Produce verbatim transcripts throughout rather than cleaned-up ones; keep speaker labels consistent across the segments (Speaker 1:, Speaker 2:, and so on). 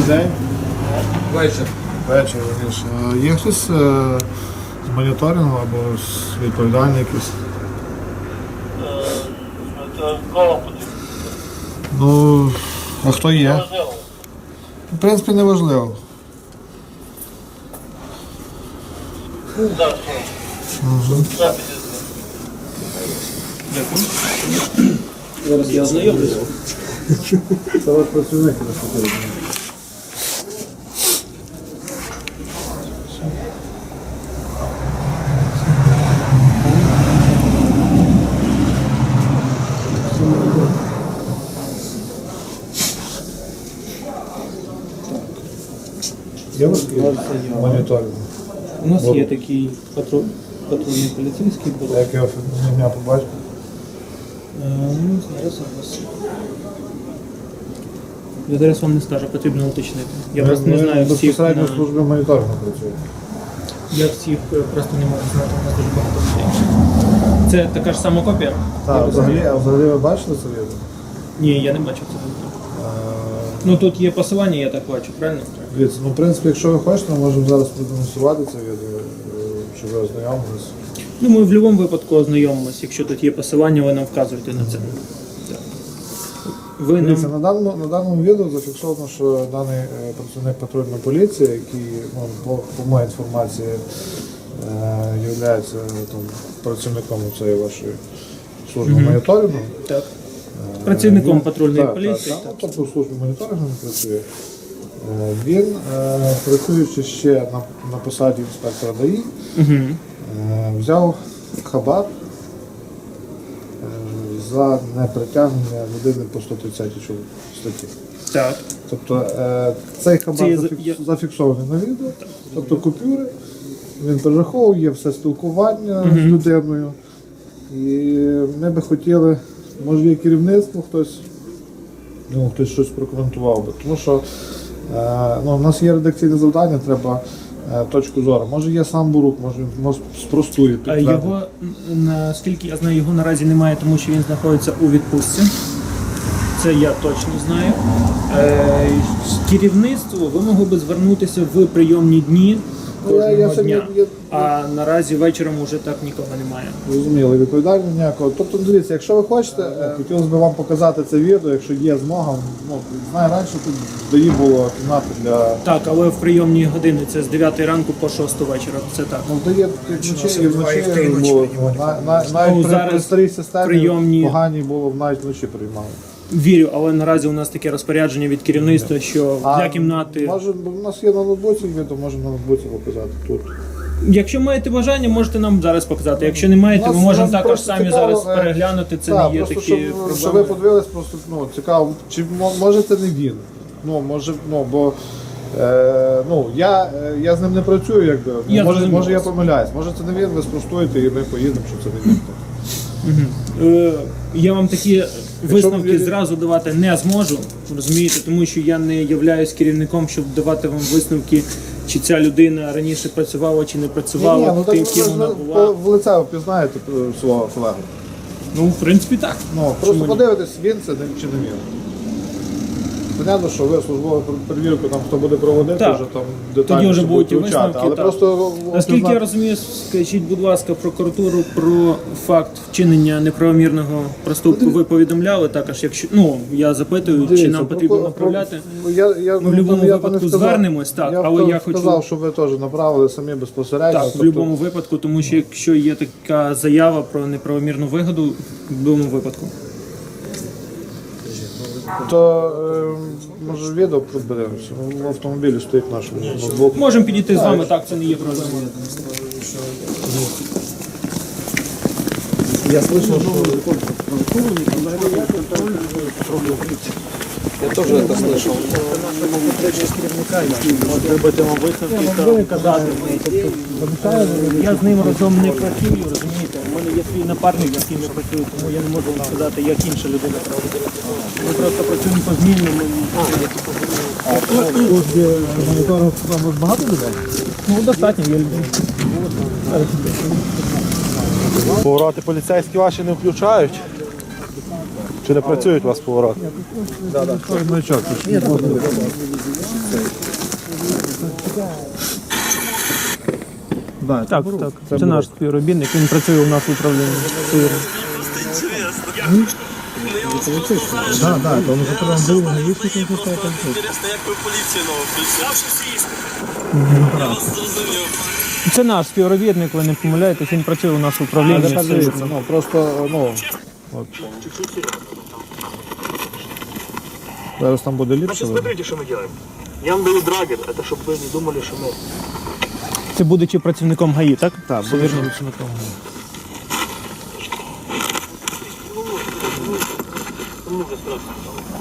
Speaker 1: день.
Speaker 2: Вечір.
Speaker 1: Вечір, раніше. Є хтось е, з моніторингу або з відповідальний якийсь?
Speaker 3: Кого потрібно?
Speaker 1: Ну, а хто є?
Speaker 3: Можливо.
Speaker 1: В принципі, не важливо.
Speaker 3: Так, що?
Speaker 4: Зараз я ознайомлюся.
Speaker 1: Це от працівник на Є у вас моніторинг?
Speaker 4: У нас є такий патруль, патрульний поліцейський
Speaker 1: А
Speaker 4: був.
Speaker 1: як його ім'я побачите?
Speaker 4: Ну, зараз у вас. Я зараз вам не скажу, потрібно уточнити. Я
Speaker 1: Ви-
Speaker 4: просто не
Speaker 1: ви
Speaker 4: знаю всіх.
Speaker 1: безпосередньо в
Speaker 4: на-
Speaker 1: службі моніторингу працює.
Speaker 4: Я всіх е, просто не можу знати, у нас дуже багато людей. Це така ж сама копія? Я
Speaker 1: Так,
Speaker 4: розумію.
Speaker 1: взагалі, а взагалі ви бачили це відео?
Speaker 4: Ні, я не бачив це. Ну тут є посилання, я так бачу, правильно?
Speaker 1: Дивіться, ну в принципі, якщо ви хочете, ми можемо зараз продемонструвати це відео, е, щоб ви ознайомилися.
Speaker 4: Ну ми в будь-якому випадку ознайомимося, якщо тут є посилання, ви нам вказуєте на це. Так. Ви
Speaker 1: Дивіться,
Speaker 4: нам...
Speaker 1: на даному, на даному відео зафіксовано, що даний е, працівник патрульної поліції, який, ну, по, по моїй інформації, е, є там, працівником цієї вашої служби
Speaker 4: Мгм.
Speaker 1: моніторингу.
Speaker 4: Так. Працівником
Speaker 1: Він-
Speaker 4: патрульної
Speaker 1: так,
Speaker 4: поліції.
Speaker 1: Так, так, ну, тобто в службі моніторингу не працює. Е, Він, е, працюючи ще на, на посаді інспектора ДАІ,
Speaker 4: Угу.
Speaker 1: е, взяв хабар е, за непритягнення людини по сто тридцятій статті.
Speaker 4: Так.
Speaker 1: Тобто е, цей хабар
Speaker 4: Це є-
Speaker 1: зафікс-
Speaker 4: я-
Speaker 1: зафіксований на відео, тобто купюри, він перераховував, є все спілкування
Speaker 4: Мгм.
Speaker 1: з людиною. І ми би хотіли, може є керівництво, хтось, ну, хтось щось прокоментував би. Тому що е, ну, у нас є редакційне завдання, треба е, точку зору. Може є сам Бурук, може він може, спростує,
Speaker 4: А
Speaker 1: підтвердить.
Speaker 4: його, м, наскільки я знаю, його наразі немає, тому що він знаходиться у відпустці. Це я точно знаю. Е, керівництво ви могли би звернутися в прийомні дні
Speaker 1: Ну, я- я
Speaker 4: кожного
Speaker 1: сьогодні-
Speaker 4: дня.
Speaker 1: я-
Speaker 4: А наразі вечором вже так нікого немає.
Speaker 1: Зрозуміло, відповідального ніякого. Тобто, дивіться, якщо ви хочете, е, хотілося б вам показати це відео, якщо є змога. Ну, знаю, раніше тут дої було кімната для...
Speaker 4: Так, але в прийомні години це з дев'ятої ранку по шосту вечора. Це так.
Speaker 1: Ну, дає як вночі, і вночі було. Ну, на- на- навіть
Speaker 4: Ну,
Speaker 1: при,
Speaker 4: зараз
Speaker 1: при старій системі
Speaker 4: прийомні-
Speaker 1: погані було, навіть вночі приймали.
Speaker 4: Вірю, але наразі у нас таке розпорядження від керівництва, що
Speaker 1: А
Speaker 4: для кімнати.
Speaker 1: Може, у нас є на ноутбуці відео, можемо на ноутбуці показати тут.
Speaker 4: Якщо маєте бажання, можете нам зараз показати. Якщо не маєте,
Speaker 1: Нас-
Speaker 4: ми можемо
Speaker 1: нас
Speaker 4: також
Speaker 1: просто
Speaker 4: самі
Speaker 1: цікаво,
Speaker 4: зараз
Speaker 1: е,
Speaker 4: переглянути. Це
Speaker 1: Так,
Speaker 4: не є
Speaker 1: просто,
Speaker 4: такі
Speaker 1: щоб,
Speaker 4: проблеми.
Speaker 1: щоб ви подивились, просто ну, цікаво, чи мо- може це не він. Ну, може, ну, бо е, ну, я, е, я з ним не працюю, якби. Ну,
Speaker 4: Я
Speaker 1: може,
Speaker 4: зрозумів
Speaker 1: може я
Speaker 4: вас.
Speaker 1: помиляюсь. Може це не він, ви спростуєте і ми поїдемо, що це не він.
Speaker 4: Е, Я вам такі висновки
Speaker 1: ви-
Speaker 4: зразу давати не зможу, розумієте, тому що я не являюсь керівником, щоб давати вам висновки, чи ця людина раніше працювала, чи не працювала,
Speaker 1: Ні, ну, так
Speaker 4: тим,
Speaker 1: ви
Speaker 4: ким
Speaker 1: ж
Speaker 4: вона
Speaker 1: по-
Speaker 4: була.
Speaker 1: в лице впізнаєте е, свого колегу.
Speaker 4: Ну, в принципі, так.
Speaker 1: Ну,
Speaker 4: Чому
Speaker 1: просто
Speaker 4: ні?
Speaker 1: подивитись, він це не- чи не він. Понятно, що ви службову перевірку там хто буде проводити,
Speaker 4: Так.
Speaker 1: вже там детально
Speaker 4: Тоді вже будуть і
Speaker 1: вивчати,
Speaker 4: висновки,
Speaker 1: але
Speaker 4: так.
Speaker 1: просто
Speaker 4: Наскільки я
Speaker 1: впізнати-
Speaker 4: розумію, скажіть, будь ласка, прокуратуру про факт вчинення неправомірного проступку ви повідомляли також, якщо ну я запитую, чи
Speaker 1: Дивіться,
Speaker 4: нам потрібно
Speaker 1: про-
Speaker 4: направляти.
Speaker 1: про- Я, я,
Speaker 4: Ми в будь-якому
Speaker 1: я
Speaker 4: випадку
Speaker 1: не сказав.
Speaker 4: звернемось, так,
Speaker 1: я
Speaker 4: але
Speaker 1: вка-
Speaker 4: я хочу-
Speaker 1: сказав, що ви теж направили самі безпосередньо.
Speaker 4: Так, в будь-якому випадку, тому що якщо є така заява про неправомірну вигоду, в будь-якому випадку.
Speaker 1: То е, може відео подивимося. В автомобілі стоїть наш ноутбук.
Speaker 4: Можемо підійти з вами, так, це не є проблемою.
Speaker 2: Я слышал, что... Я тоже это слышал.
Speaker 4: Робити вам висновки та казати. Я з ним разом не працюю, розумієте? У мене є свій напарник, з яким я працюю, тому я не можу вам сказати, як інша людина проводила. Ми просто працюємо по змінному.
Speaker 1: Моніторинг там багато людей?
Speaker 4: Ну, достатньо, є люди.
Speaker 5: Повороти поліцейські ваші не включають.
Speaker 1: Чи не працюють у вас повороти? Так, так. Маячок. Да,
Speaker 4: Так, так. Це, наш співробітник, він працює у нас в управлінні. Це вірно.
Speaker 1: Так, так, тому що там був гаїшник, який став там.
Speaker 5: Інтересно, як ви поліцію нову прийшли?
Speaker 4: Це наш співробітник, ви не помиляєтесь, він працює у нас в управлінні.
Speaker 1: Але так
Speaker 4: Це
Speaker 1: дивіться,
Speaker 4: вірно.
Speaker 1: ну просто, ну, от. Зараз там буде ліпше.
Speaker 3: Значит, смотрите, что мы делаем. Я вам даю драгер, это чтобы вы не думали, что мы...
Speaker 4: Це будучи працівником ГАІ, так?
Speaker 1: Так,
Speaker 4: Все
Speaker 1: буде
Speaker 4: вірно.
Speaker 1: працівником.
Speaker 3: Ну, уже страшно.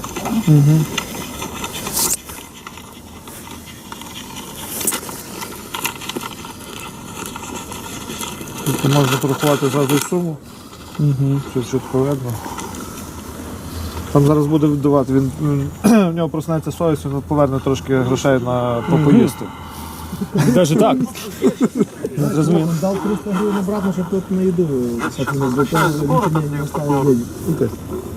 Speaker 1: Тут можна порахувати зразу й суму. Угу. Все чітко видно. Там зараз буде віддавати, він, він в нього проснеться совість, він поверне трошки грошей на попоїсти.
Speaker 4: Навіть так. Розумію.
Speaker 6: Дал триста гривен обратно, чтобы тот на еду сохранил. До того ничего не оставил денег.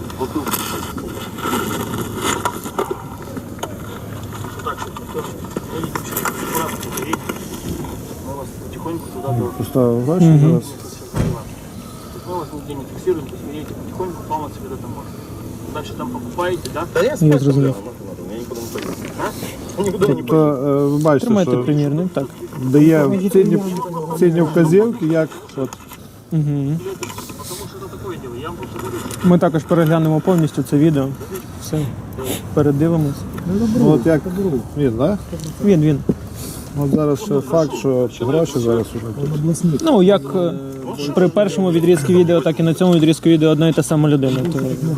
Speaker 3: Так, чтобы никто не видит, что аккуратно говорить. Мы вас потихоньку туда до...
Speaker 1: Поставив гроші зараз.
Speaker 3: Мы вас нигде не фиксируем, то есть вы едете потихоньку, помыться когда-то можно. Дальше там покупаете, да? Да я
Speaker 4: Я зрозумів.
Speaker 1: Тобто, е, ви бачите,
Speaker 4: Тримайте
Speaker 1: що
Speaker 4: примірник, так.
Speaker 1: дає цінні, цінні вказівки, як от,
Speaker 4: Угу.
Speaker 3: Потому что это такое дело, я вам просто говорю.
Speaker 4: Ми також переглянемо повністю це відео. Все. Передивимось.
Speaker 1: ну, от як він, да?
Speaker 4: Він, він.
Speaker 1: От зараз ще факт, що гроші зараз уже.
Speaker 4: Ну, як е, при першому відрізку відео, так і на цьому відрізку відео одна і та сама людина. То...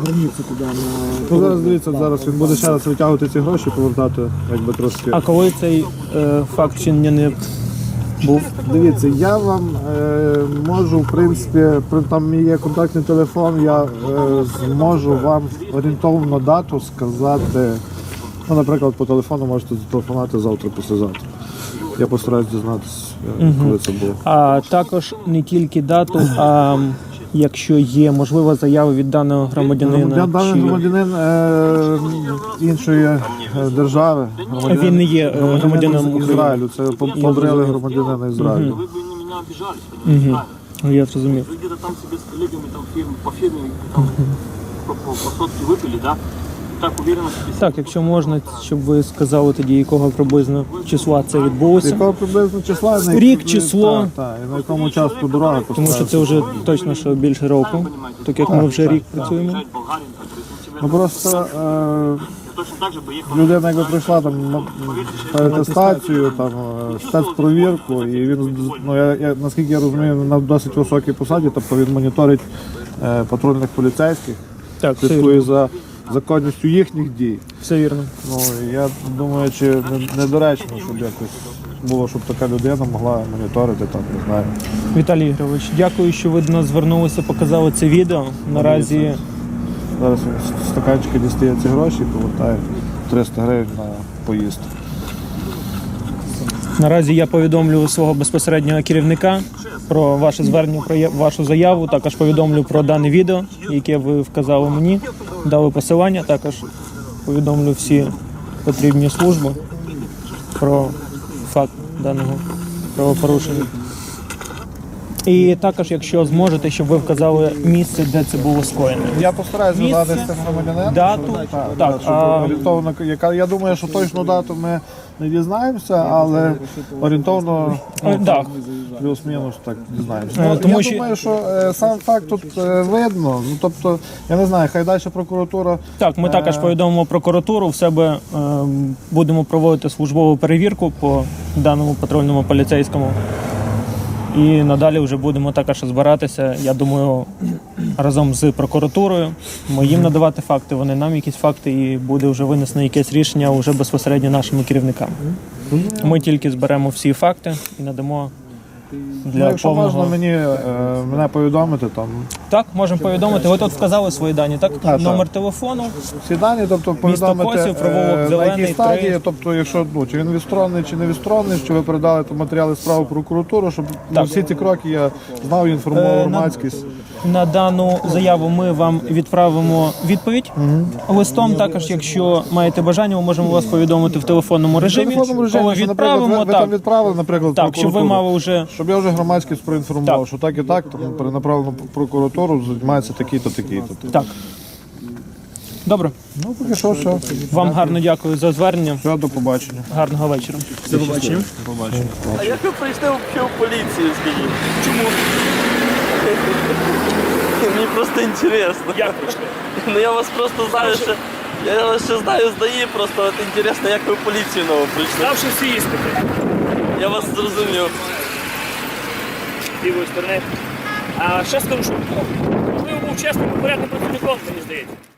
Speaker 1: Ну зараз дивіться, зараз він буде ще раз витягувати ці гроші, повертати, якби трошки.
Speaker 4: А коли цей е, факт чинення не був?
Speaker 1: Дивіться, я вам е, можу, в принципі, при- там мій є контактний телефон, я е, зможу вам орієнтовну дату сказати. Ну, наприклад, по телефону можете зателефонувати завтра, післязавтра. Я постараюсь дізнатися, е, коли це було.
Speaker 4: А також не тільки дату, а м, якщо є можлива заява від даного громадянина.
Speaker 1: Я даний
Speaker 4: чи-
Speaker 1: громадянин е, іншої е, держави. громадянин-
Speaker 4: Він не є, е, громадянином
Speaker 1: з
Speaker 4: України.
Speaker 1: Ізраїлю. Це по- побрили громадянина Ізраїлю.
Speaker 3: Вы бы на меня обижались, понимаете?
Speaker 4: Мгм. Ну, я зрозумів.
Speaker 3: Вы где-то там себе с коллегами там, фирм, по фирме там, по, по, по сотке выпили, да? И так уверенно себе
Speaker 4: Так, якщо можна, щоб ви сказали тоді, якого приблизно числа це
Speaker 1: З
Speaker 4: відбулося.
Speaker 1: якого приблизно числа? на
Speaker 4: Рік,
Speaker 1: які-
Speaker 4: число.
Speaker 1: Так, так, і на якому часу дорога
Speaker 4: Тому що це вже точно що більше року, так як ми вже рік працюємо.
Speaker 3: приезжать в Болгарию, там, то есть он тебе
Speaker 1: Ну просто е,
Speaker 3: я точно так же бы ехал.
Speaker 1: людина, якби прийшла там на перетестацію, там е, спецпровірку, і він ну я, я наскільки я розумію, на досить високій посаді, тобто він моніторить е, патрульних поліцейських,
Speaker 4: Так, все
Speaker 1: слідкує
Speaker 4: вірно.
Speaker 1: за законністю їхніх дій.
Speaker 4: Все вірно.
Speaker 1: Ну і я думаю, чи не- недоречно, щоб якось було, щоб така людина могла моніторити там, не знаю.
Speaker 4: Віталій Ігорович, дякую, що ви до нас звернулися, показали це відео. Наразі
Speaker 1: Зараз він з стаканчика дістає ці гроші і повертає триста гривень на поїзд.
Speaker 4: Наразі я повідомлю свого безпосереднього керівника про ваше звернення, про я- вашу заяву. Також повідомлю про дане відео, яке ви вказали мені, дали посилання. Також повідомлю всі потрібні служби про факт даного правопорушення. І також, якщо зможете, щоб ви вказали місце, де це було скоєно.
Speaker 1: Я постараюсь
Speaker 4: Місце,
Speaker 1: згадати з цим громадянином.
Speaker 4: дату,
Speaker 1: щоб- так,
Speaker 4: так,
Speaker 1: так, щоб
Speaker 4: а-
Speaker 1: орієнтовно, яка я думаю, що точну дату ми не дізнаємося, але орієнтовно
Speaker 4: Е, Так,
Speaker 1: плюс-мінус так дізнаємося.
Speaker 4: Е,
Speaker 1: Ну,
Speaker 4: тому
Speaker 1: я
Speaker 4: що-
Speaker 1: думаю, що е, сам факт тут е, видно. Ну тобто, я не знаю, хай далі прокуратура.
Speaker 4: Так, ми також
Speaker 1: Е,
Speaker 4: повідомимо прокуратуру. В себе е, будемо проводити службову перевірку по даному патрульному поліцейському. І надалі вже будемо також збиратися. Я думаю, разом з прокуратурою. Ми їм надавати факти, вони нам якісь факти, і буде вже винесено якесь рішення вже безпосередньо нашими керівникам. Ми тільки зберемо всі факти і надамо
Speaker 1: Ну,
Speaker 4: для
Speaker 1: якщо
Speaker 4: повного.
Speaker 1: можна мені е, мене повідомити, там
Speaker 4: Так, можемо повідомити. Ви тут вказали свої дані, так?
Speaker 1: так.
Speaker 4: Номер телефону.
Speaker 1: всі дані, тобто повідомити
Speaker 4: Косів, провулок
Speaker 1: е, на
Speaker 4: Зелений,
Speaker 1: якій стадії,
Speaker 4: три.
Speaker 1: тобто, якщо ну чи він відсторонений, чи не відсторонений, що ви передали там матеріали справи в прокуратуру, щоб ну,
Speaker 4: Так.
Speaker 1: всі ці кроки я знав і інформував
Speaker 4: Е, на-
Speaker 1: громадськість.
Speaker 4: На дану заяву ми вам відправимо відповідь листом. Також, якщо маєте бажання, ми можемо вас повідомити в телефонному
Speaker 1: В
Speaker 4: режимі.
Speaker 1: телефонному режимі,
Speaker 4: Коли
Speaker 1: що, наприклад, ви,
Speaker 4: відправимо,
Speaker 1: ви там
Speaker 4: так,
Speaker 1: відправили, наприклад, в
Speaker 4: так, щоб ви
Speaker 1: прокуратуру.
Speaker 4: мали вже
Speaker 1: Щоб я вже громадськість проінформував,
Speaker 4: Так.
Speaker 1: що так і так, там перенаправлено в прокуратуру, займається такий-то, такий-то.
Speaker 4: так. Добре,
Speaker 1: Ну, поки що, все.
Speaker 4: вам гарно дякую за звернення.
Speaker 1: Все, до побачення.
Speaker 4: Гарного вечора. До побачення.
Speaker 5: А як ви прийшли взагалі в поліцію, скажіть? Чому? Мені просто інтересно.
Speaker 4: Як прийшли?
Speaker 5: Ну я вас просто знаю, що... Я вас ще знаю, здає, просто от інтересно, як ви в поліцію нову прийшли.
Speaker 4: Ставши всі іспити.
Speaker 5: Я вас зрозумів.
Speaker 4: З лівої сторони. А ще скажу, що ви був чесним і порядним працівником, мені здається.